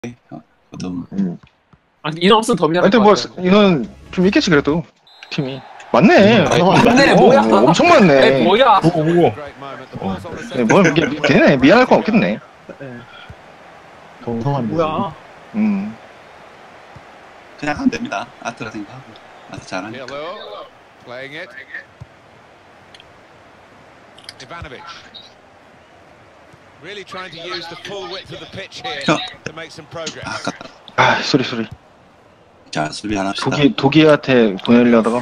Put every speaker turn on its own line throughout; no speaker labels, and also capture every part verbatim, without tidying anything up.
어, 좀
음.
아니 인원 없으면 더 미안할
하여튼
것
뭐
같아.
이건 좀 있겠지 그래도 팀이 맞네.
맞네,
어,
뭐야?
어, 엄청 많네.
에이, 뭐야?
보고 보고
네, 뭐 이게 되네. 미안할 건 없겠네.
동성한
뭐야?
음.
그냥 하면 됩니다. 아트라 생각하고 아트 잘하니까.
Playing it. Ivanovic. Really trying to use the full width of the pitch here
저,
to make some progress.
아, 아깝다.
아 소리 소리.
자, 수비 하나 합시다.
독일 독일한테 보내려다가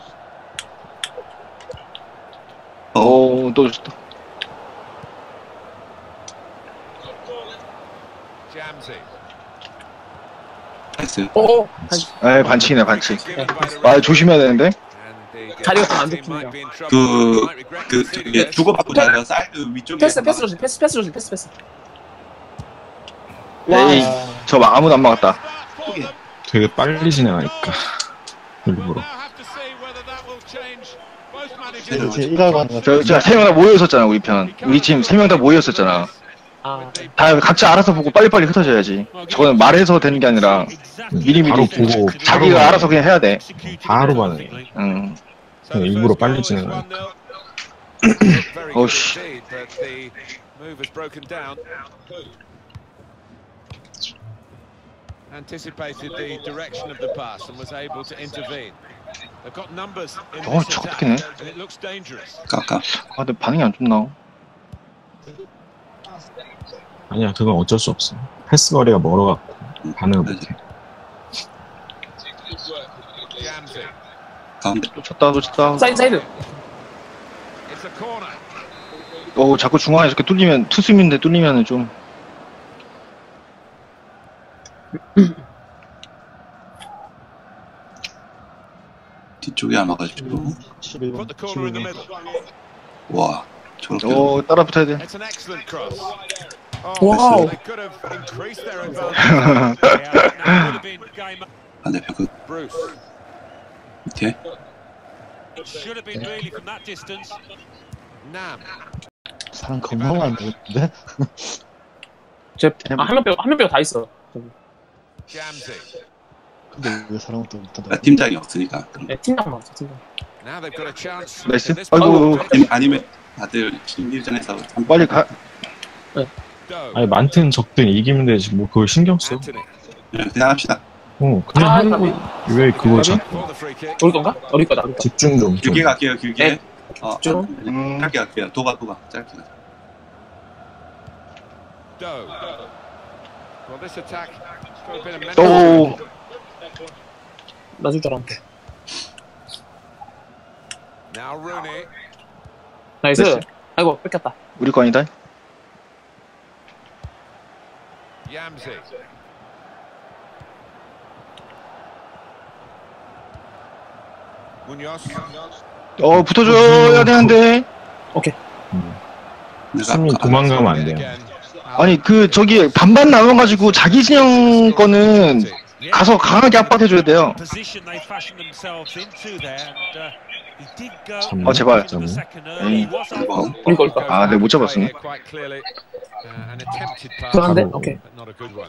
어,
어또 줬다.
Jamsey.
나이스.
오,
아 반칙이네 반칙.
Given by the
아 조심해야 되는데.
And the
자리가 좀안
team
좋군요.
might be in trouble.
그,
Might regret
그,
conceding
예,
this.
주고받고 잘해요. 사이드 위쪽에.
패스, 패스 조심, 패스, 패스 조심, 패스, 패스.
에이 저 막 아무도 안 막았다.
되게 빨리 진행하니까 일부러.
Now have to see whether that will change. Both
네,
managers.
네.
일하고 하는
저 제가 세 명 다 모여 있었잖아 우리 편. 우리 팀 세 명 다 모여 있었잖아.
아,
다 각자 알아서 보고 빨리빨리 흩어져야지. 저거는 말해서 되는 게 아니라 미리미리
바로 보고
자기가
바로
알아서 그냥 해야 돼.
바로 반응해.
응.
그냥 일부러 빨리 진행하니까.
Very
Oh,
good
sh-
indeed, but the move has broken down. Anticipated the direction of the pass and was able to intervene. They've got numbers in
Oh,
this attack,
촉촉하네.
and it looks dangerous.
아까,
아 근데 반응이 안 좋나?
아니야, 그건 어쩔 수 없어. 패스 거리가 멀어갖고 반응을 못해.
Jamsey.
가운데.
놓쳤다 놓쳤다.
사이드, 사이드.
It's a corner.
어 자꾸 중앙에 이렇게 뚫리면 투수민데 뚫리면은 좀
뒤쪽에 안 와가지고.
Put the corner in the middle.
와, 저렇게.
어 따라 붙어야 돼.
It's an excellent cross. Oh,
Wow.
they could have increased their advantage. That would have been game.
반대편 그
Bruce.
밑에.
It should have been really from that distance.
Nam.
사람 겁나 많은데?
제, 아, 한 명 빼고, 한 명 빼고 다 있어.
Jamsey.
근데 왜 사람을 또
아,
못하다?
팀장이 없으니까. 그런 거.
네, 팀장 나왔어, 팀장.
Now they've got a chance.
나이스.
in this part of
아이고
the pitch.
아니면, 아니면 다들 신기전에서
빨리 가.
Doe.
아니 많든 적든 이기면 되지 뭐 그걸 신경 써.
Anthony.
그냥 합시다.
어 그냥
아,
하는
가비.
거왜 그걸 자꾸
For the free kick.
우리 건가? 우리 거다, 우리 거.
집중 좀. 좀.
길게 갈게요, 길게.
네.
어,
좀.
음.
짧게 갈게요. 도가, 도가. 짧게 가자.
Doe. Well, this attack could have been a mental.
오.
놔줄 줄 알았는데.
Now Rooney.
나이스.
나이스.
아이고, 뺏겼다.
우리 거 아니다.
Yamsey. Munoz.
어 붙어줘야 되는데.
내가
수민
아까
도망가면 안 돼요.
Again.
아니 그 저기 반반 나눠가지고 자기 진영 거는 가서 강하게 압박해줘야 돼요.
Position they fashioned themselves into there, and uh, he did go.
참,
어, 제발.
into the second early.
에이.
He was
이거
우리 거, 우리 거.
아, 네, 못 잡았네.
Quite clearly, uh, an attempted pass,
그런데?
바로.
오케이.
but not a good one.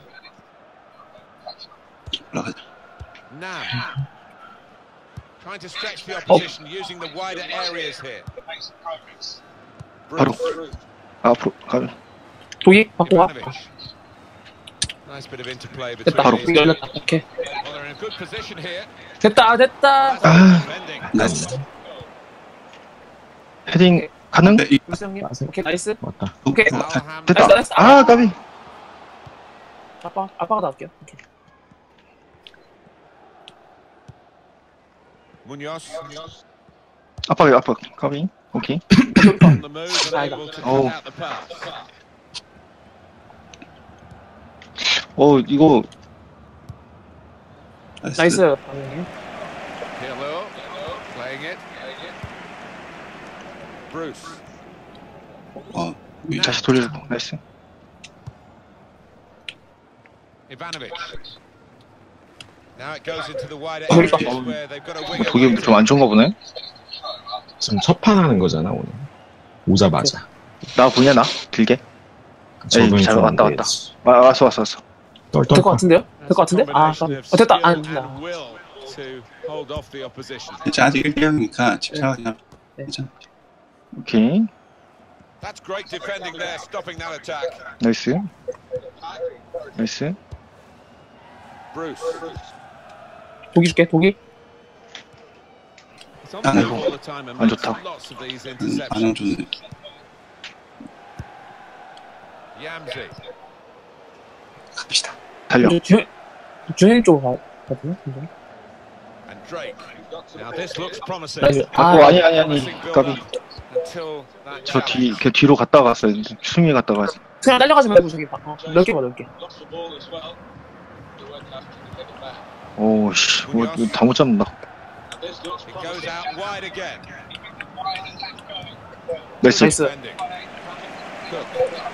올라가자.
Nam. Trying to stretch the opposition using the wider areas here.
바로.
Bruce.
앞으로 가.
독이 받고 와.
Ivanovic. Nice bit of interplay
됐다.
between
독이
these.
열렸다. 오케이.
Well, they're in a good position here.
됐다, 됐다.
아.
Defending.
나이스.
헤딩 가능?
네, 이,
울스 형님. 오케이, 나이스.
맞다.
도,
오케이.
도가.
Alham.
됐다.
나이스, 나이스.
아 까비.
아빠, 아빠가 나올게요. 오케이.
Munoz.
아빠 아빠 까비. 오케이.
On the move and able to
Oh.
cut out the pass.
어 이거
나이스.
나이스. 형님.
Pirlo. Playing it. Bruce.
어, 위-
다시 돌려주고 나이스.
Ivanovic. Now it goes into the wider
Oh,
areas
oh.
where they've got a winger.
독일 좀 안 좋은가 보네.
지금 첫판 하는 거잖아 오늘. 오자마자.
나 보냐 나 길게.
적응이
잘
좀
왔다,
안
왔다.
돼야지.
와 왔어 왔어 왔어.
될 것 같은데요? 될 것 같은데? 아, 아, 어, 됐다. 아, 됐다.
진짜 아직 일 대 영이니까 집착하지 않아.
네.
괜찮아.
오케이.
That's great defending there, stopping that attack.
나이스. 나이스.
Bruce.
독이 줄게, 독이.
It's on the
아이고.
move all the time and
안
makes
좋다.
lots of these
음, 반응
interceptions.
좋네.
Yamzi.
갑시다.
달려.
주현, 주현 쪽으로 가, 가거든요?
And Drake. Now this looks promising.
나이스.
아,
아,
아니, 아니, 아니.
Promising build
까비.
up until that
저 뒤,
challenge.
그 뒤로 갔다 갔어요. 수미 갔다 갔어.
그냥 날려가지 말고 저기 봐. 어, 넓게 봐, 넓게.
오, 씨. 뭐, 이거 다 못 잡는다.
It goes out wide again.
나이스.
나이스.
Defending. Cook.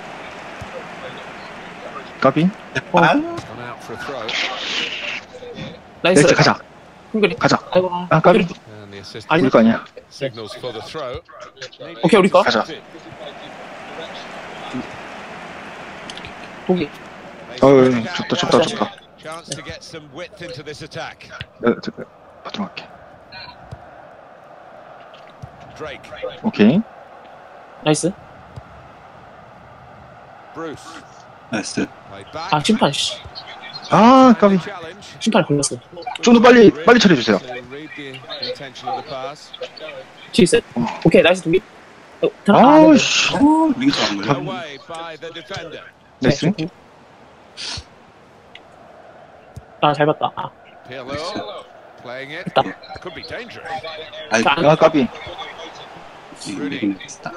까비.
아,
Gone out for a throw.
나이스.
나이스, 가자.
핑글이.
가자.
아이고, 아,
아, 까비.
And the assistant
아니,
우리 거 아니야.
signals for the throw.
오케이, 우리 거.
가자.
독이.
어우, 좋다, 좋다, 좋다.
Chance to get some width into this attack.
네, 저, 받도록 할게.
Drake.
오케이.
나이스.
Bruce.
나이스.
Played back.
아, 심판, 씨.
아, 까비.
Challenge.
심판이 걸렸어.
좀 더 빨리, 빨리 처리해주세요.
To read the intention of the pass.
뒤 있어요? 오케이, 나이스, 독이. 어, 들어- 아,
아우,
네,
씨.
우리가 좋아한 거야.
Away by the defender.
네.
나이스.
네. 아, 잘 봤다. 아,
Pirlo playing it.
됐다.
Could be dangerous.
아이,
자,
아, 까비.
이거 비슷하다.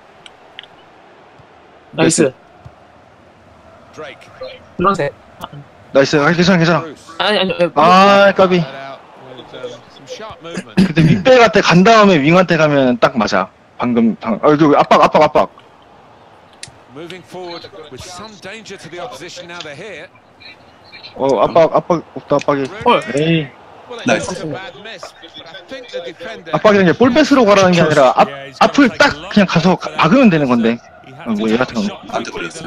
나이스.
Drake.
노란색. 아,
나이스. 아, 괜찮아, 괜찮아.
Bruce.
아니, 아니, 아니.
아, 까비.
Let out with um, some sharp movement.
근데 윗백한테 간 다음에 윙한테 가면 딱 맞아. 방금, 방, 아, 그 압박, 압박, 압박.
Moving forward with some danger to the opposition now they're here.
어, 압박, 압박, 없다, 압박이.
헐.
에이.
Well, it
Nice.
was a bad miss, but I think the defender.
압박이란 게 볼 뺏으러 가라는 게 아니라 앞, 앞을 딱 그냥 가서 가- 박으면 되는 건데. 어, 뭐 얘 같은 건.
안 돼버렸어.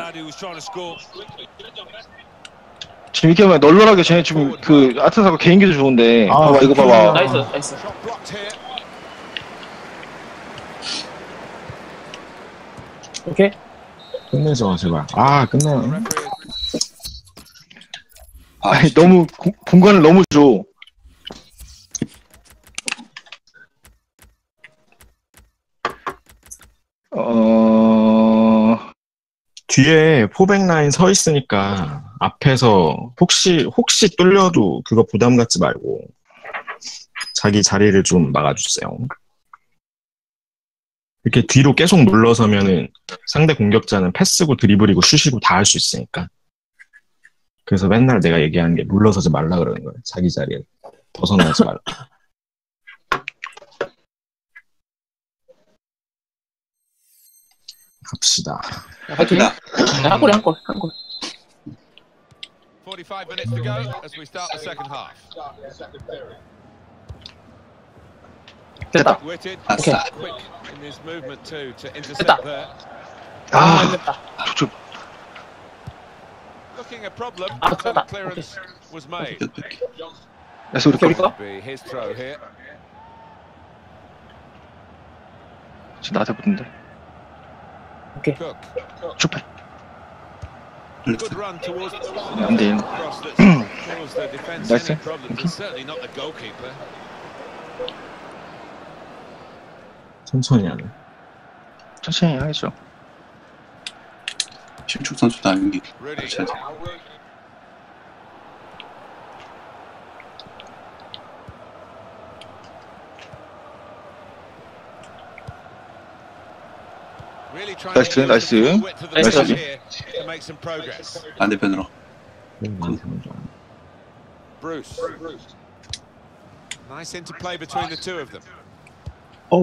지금 이렇게 보면 널널하게 쟤네 지금 그 아트사가 개인기도 좋은데.
아,
봐봐, 이거 봐봐.
나이스, 나이스.
Shot blocked here.
오케이.
끝내줘, 제발. 아, 끝내.
Referee
아,
아니, 너무, 고- 공간을 너무 줘. 어,
뒤에 포백 라인 서 있으니까 앞에서 혹시 혹시 뚫려도 그거 부담 갖지 말고 자기 자리를 좀 막아주세요. 이렇게 뒤로 계속 물러서면은 상대 공격자는 패스고 드리블이고 슛이고 다 할 수 있으니까. 그래서 맨날 내가 얘기하는 게 물러서지 말라 그러는 거예요. 자기 자리에 벗어나지 말라. 갑시다.
화이팅. 네, 한 골에 한 골, 한 골.
forty-five minutes to go as we start the second half.
됐다.
Witted,
아싸.
quick in his movement too to
됐다.
intercept there.
아,
아,
됐다.
저,
Looking a problem
Ah,
until the
됐다.
clearance was made.
그래서 우리
오케이, 우리
거.
거.
Be his throw here.
지금 나한테 붙는데.
Cook.
슈퍼.
Good run towards
안 돼.
cross that caused the defence
Nice.
any problems. It's certainly not the goalkeeper.
천천히 하네.
천천히 하겠죠.
심축 선수도 아닌게
Rudy.
같이 하자.
Really trying
Nice,
to use
nice.
the full width of the
Nice.
pitch here to make some progress.
반대편으로.
Bruce. Nice interplay between the two of them.
어우,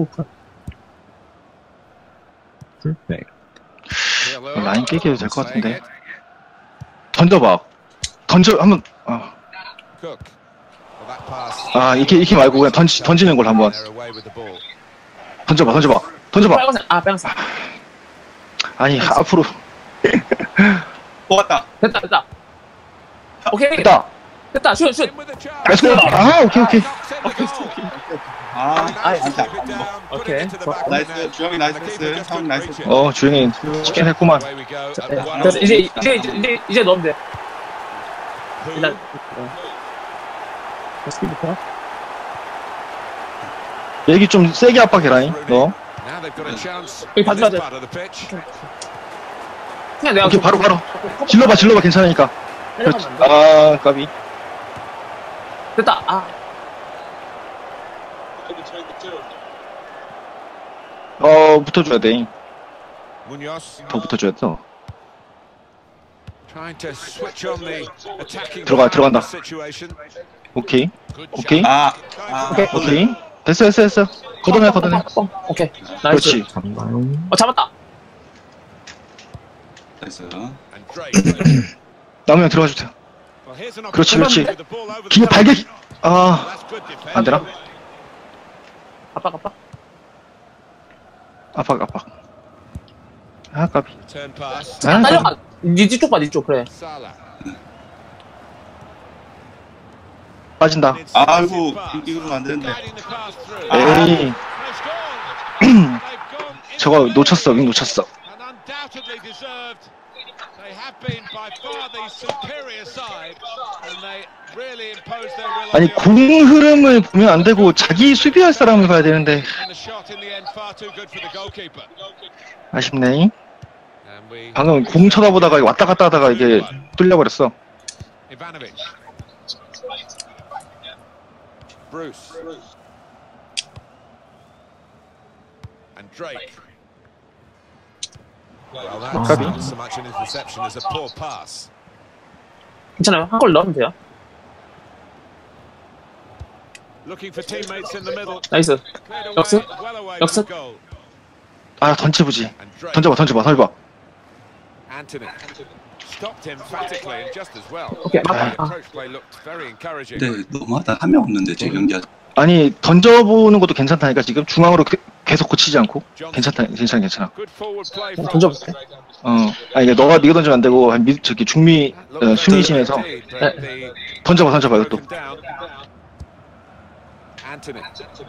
풀백.
Pirlo.
라인 깨게 해도 될 것
Playing
같은데.
it.
던져봐. 던져, 한번, 아,
Cook. Well, that pass.
아, 이렇게, 이렇게 말고 그냥 던지, 던지는 걸 한번.
They're away with the ball.
던져봐, 던져봐. 던져봐.
빨간색. 아, 빨간색.
아니, 앞으로.
뽑았다.
됐다, 됐다. 오케이.
됐다.
됐다. 슛, 슛.
In with the
나이스.
chance.
아, 오케이, 오케이.
Knocks in the goal.
아,
아이,
진짜.
Keep it down, put
오케이.
it into the back of the
나이스.
net.
주영이
And the keeper
나이스.
just
형
couldn't
나이스.
reach it.
어, 주영이 치킨 했구만.
Away we go.
자,
At one
그래서
all.
이제, 이제, 이제, 이제, 이제 넣으면 돼.
Who?
일단. 스피드부터.
얘기 좀 세게 압박해라잉, 너.
Now they've got a chance
여기
in
봐줘야
this
돼.
part of the pitch.
그냥 내가.
오케이, 바로, 바로. 질러봐, 질러봐, 괜찮으니까. 그렇지.
내려가면 안 돼.
아, 까비.
됐다. 아.
어, 붙어줘야 돼.
Munoz
더 붙어줘야 돼. 더.
trying to switch on the attacking
들어가,
power of
들어간다.
the situation.
오케이.
Good
오케이.
shot.
아, 아,
오케이.
오케이. 됐어, 됐어, 됐어. 걷어내, 걷어내.
뻥. 오케이. 나이스.
그렇지.
잡나요?
어, 잡았다.
나이스.
And Drake.
나오면 들어가 주세요.
Well, here's an
그렇지,
opportunity
그렇지.
with the ball over the
기회
top.
발개. 아,
That's good defending.
안 되나?
압박, 압박.
압박, 압박. 아, 까비.
Turn pass.
아, 까비.
딸려가. 니 뒤쪽 봐, 니 쪽. 그래.
Salah.
빠진다.
아이고, 이거는 안 되는데.
Guiding the pass through.
아.
에이,
They've scored. They've gone into
저거
the
놓쳤어,
lead.
윙 놓쳤어.
And undoubtedly deserved. They have been by far the superior side, and they really imposed their will on
아니,
the
공 흐름을 보면 안 되고 자기 수비할 사람을 봐야 되는데
opposition. And the shot in the end far too good for the goalkeeper.
아쉽네.
And we
방금 공 쳐다보다가 왔다 갔다 하다가 이게 뚫려버렸어.
Ivanovic. Bruce. And Drake. Well, that's
Copy.
not so much an interception as a poor pass.
괜찮아요. 한 골 넣으면 돼요.
Looking for teammates in the middle.
나이스.
Cleared away,
역습?
well away
역습?
from goal.
아, 던져보지.
And Drake.
던져봐, 던져봐, 던져봐.
Anthony. Stopped emphatically and just as well.
오케이,
The
맞다. 아.
approach play looked very encouraging.
근데 너무하다. 한 명 없는데, 지금 연기하
아니, 던져보는 것도 괜찮다니까, 지금. 중앙으로 그- 계속 고치지 않고. 괜찮다, 괜찮아, 괜찮아.
Good forward play from
던져볼게.
어. 아니, 이게 너가, 네가 던지면 안 되고, 한 미, 저기, 중미, 어, 수미심에서. 던져봐, 던져봐, 이것도.
Anthony.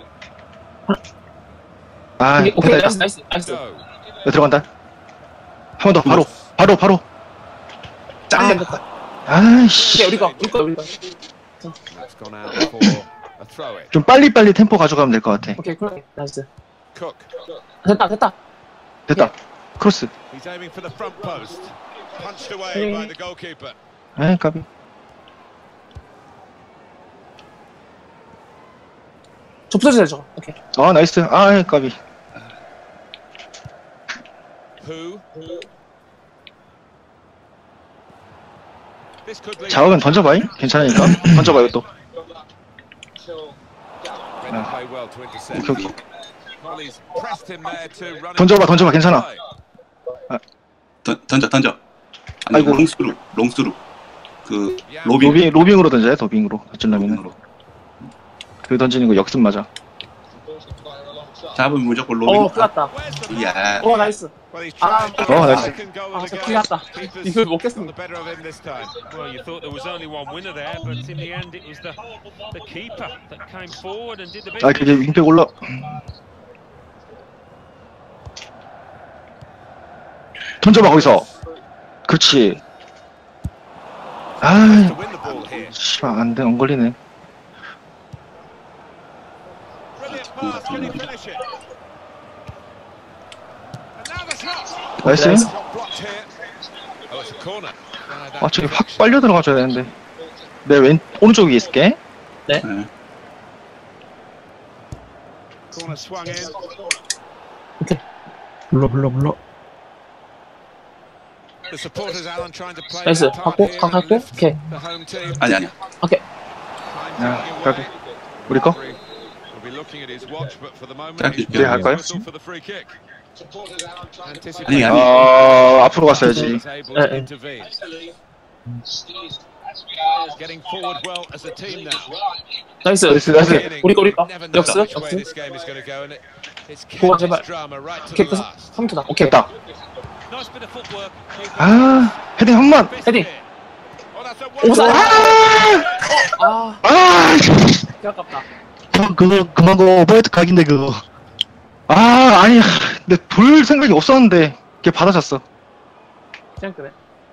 아,
오케이, 오케이.
됐다.
나이스, 나이스, 나이스.
Go.
야, 들어간다. 한 번 더, 바로, 바로, 바로.
짱.
짱!
됐다.
아이씨.
오케이, 우리 거, 우리 거, 우리 거.
That's gone out for a throw in.
좀 빨리빨리 템포 가져가면 될 것 같아.
오케이, 그래. 나이스.
Cook.
됐다, 됐다.
됐다. 크로스.
He's aiming for the front post. Punched away by the goalkeeper.
에이, 까비.
저 붙어주세요, 저거. 오케이.
아, 나이스. 아, 까비.
Who? This could lead
자극은 던져봐잉? 괜찮으니까. 던져봐, 이것도.
Read the play well to intercept.
오케이, 오케이.
Molly's pressed him there to run.
던져봐, 던져봐, 괜찮아.
던, 던져, 던져. 아니,
아이고.
롱스루, 롱스루. 그, 로빙.
로빙, 로빙으로 던져야 돼, 로빙으로. 던질라면은.
로빙으로.
그 던지는 거 역습 맞아.
잡으면 무조건
어,
로빙.
큰일 났다.
Where's the
야,
어, 나이스.
Well, he's
아,
tried to
어,
get a
나이스.
second goal
아,
of
저
the
큰일
game.
났다.
Keeper's
이걸
got
먹겠습니다.
the better of him this time.
Well, you thought there was only one winner there, but in the end it was the, the keeper that came forward and did the
아,
business.
그게 윙백 올라. 던져봐, 거기서. 그렇지.
To
아,
win the ball here.
씨발, 안 돼, 안 걸리네.
Brilliant pass. Can he finish it? And now the shot.
나이스.
Shot blocked here. Oh, it's a corner. Ah, that
아, 저기 확
deflection.
빨려 들어가줘야 되는데. 내 왼, 오른쪽 위에 있을게.
네.
Corner swung in.
불러 불러 불러.
The supporters, Alan, trying to play
나이스.
their part
갖고,
here
각
and
갖고.
lift
오케이.
the home team.
아니, 아니야.
오케이.
Time
야,
ticking
까비.
away.
우리 거?
Referee will be looking at his watch, but for the moment,
자,
he's
그래,
할 거야?
whistle for the free kick.
아니,
Anticipating
아니.
아, 앞으로 갔어야지.
is able to
에, 에.
intervene. Getting forward well as a team now.
나이스.
나이스, 나이스.
Beginning,
우리 거, 우리 거.
never know
역습,
which way
역습.
this game is going to go, and it, it's
고마,
kept
제발.
its drama right to
오케이,
the last.
삼 투다. 오케이.
됐다.
Nice bit of footwork.
아, 헤딩 한 번.
헤딩.
Oh, that's
오사.
아!
아,
아!
개 아깝다.
저 그거 그만 거 오버헤드 각인데 그거. 아 아니 근데 돌 생각이 없었는데 걔 받아쳤어.
그냥 그래.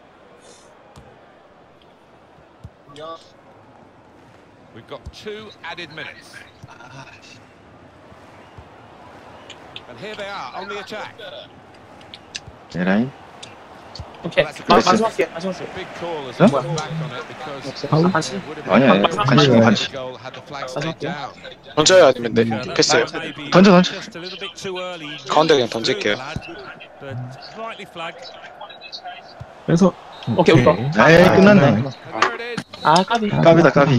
We've got two added minutes. And here they are on the attack.
에라이.
오케이.
Well, that's a
마,
good-
만수할게. 만수할게.
Big call as
Huh?
we look back on it because
아, 반칙.
it would have
아니야,
been
아니야.
a
반칙,
goal
반칙.
had the flag stayed down.
던져요 아니면 네 패스요.
던져, 던져.
가운데 그냥 던질게요.
그래서
오케이, 오케이.
에이 끝났네.
And there it is.
아, 까비.
까비다 까비.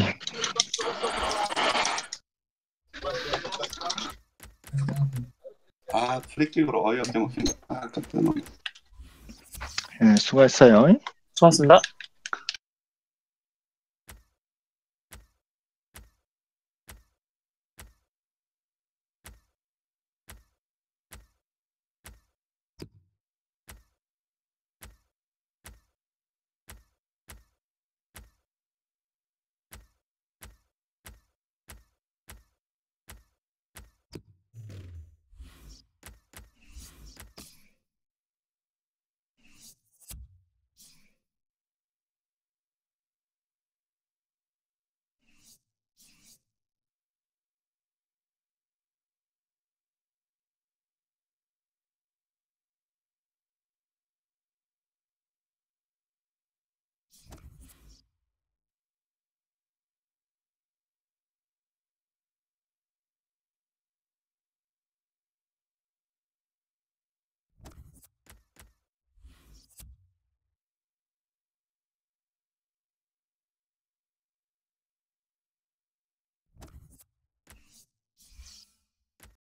아 프리킥으로 어이없게 먹힌 거. 아 아깝다 너무.
예, 수고했어요.
수고하셨습니다.